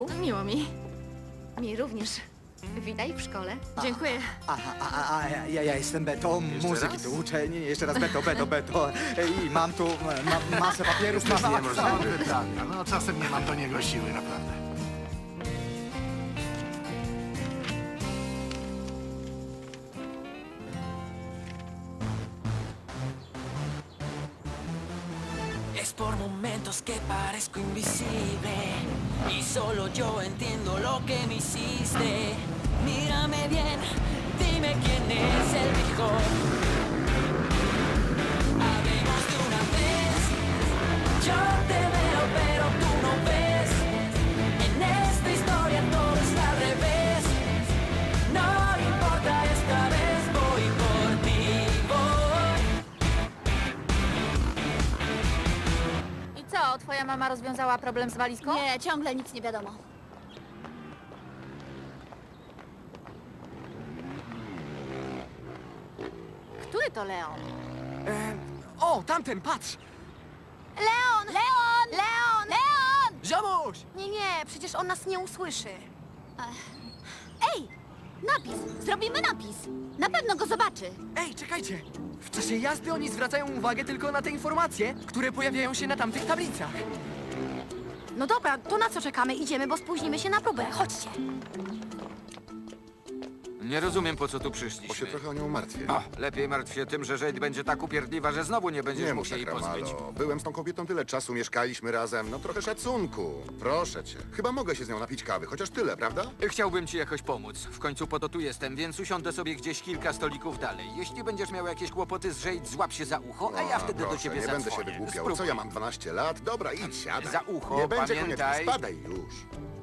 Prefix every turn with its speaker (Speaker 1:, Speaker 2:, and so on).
Speaker 1: Miło mi.
Speaker 2: Mi również. Witaj w szkole.
Speaker 1: Dziękuję.
Speaker 3: Ja jestem Beto, muzyki
Speaker 4: raz?
Speaker 3: tu uczę. Nie, jeszcze raz Beto. I mam tu masę papierów, masę...
Speaker 4: Niemożliwe pytania. No czasem nie mam do niego siły, naprawdę.
Speaker 5: Es por momentos que parezco invisible y solo yo entiendo lo que me hiciste. Mírame bien, dime quién es el mejor. Hablemos de una vez. Yo te veo, pero tú no ves. En esta historia todo está al revés. No importa, esta vez voy por ti, voy.
Speaker 1: I co, twoja mama rozwiązała problem z walizką?
Speaker 6: Nie, ciągle nic nie wiadomo.
Speaker 1: Który to Leon?
Speaker 7: O, tamten, patrz!
Speaker 6: Leon! Leon! Leon! Leon!
Speaker 7: Ziomuś!
Speaker 6: Nie, przecież on nas nie usłyszy. Ej! Napis! Zrobimy napis! Na pewno go zobaczy.
Speaker 7: Ej, czekajcie! W czasie jazdy oni zwracają uwagę tylko na te informacje, które pojawiają się na tamtych tablicach.
Speaker 6: No dobra, to na co czekamy? Idziemy, bo spóźnimy się na próbę. Chodźcie.
Speaker 8: Nie rozumiem, po co tu
Speaker 4: Bo się
Speaker 8: przyszliśmy.
Speaker 4: trochę o nią martwię.
Speaker 8: O, lepiej martw się tym, że Jade będzie tak upierdliwa, że znowu nie będziesz
Speaker 4: Nie
Speaker 8: mógł
Speaker 4: mów
Speaker 8: się jej
Speaker 4: tak,
Speaker 8: pozbyć.
Speaker 4: Ramalo. Byłem z tą kobietą tyle czasu, mieszkaliśmy razem. No trochę szacunku. Proszę cię. Chyba mogę się z nią napić kawy, chociaż tyle, prawda?
Speaker 8: Chciałbym ci jakoś pomóc. W końcu po to tu jestem, więc usiądę sobie gdzieś kilka stolików dalej. Jeśli będziesz miał jakieś kłopoty z Jade, złap się za ucho, a ja wtedy
Speaker 4: proszę,
Speaker 8: do ciebie
Speaker 4: nie
Speaker 8: zadzwonię.
Speaker 4: będę się wygłupiał.
Speaker 8: Spróbuj.
Speaker 4: Co ja mam 12 lat? Dobra, idź, siadaj.
Speaker 8: Za ucho,
Speaker 4: Nie będzie
Speaker 8: pamiętaj.
Speaker 4: koniec, spadaj już.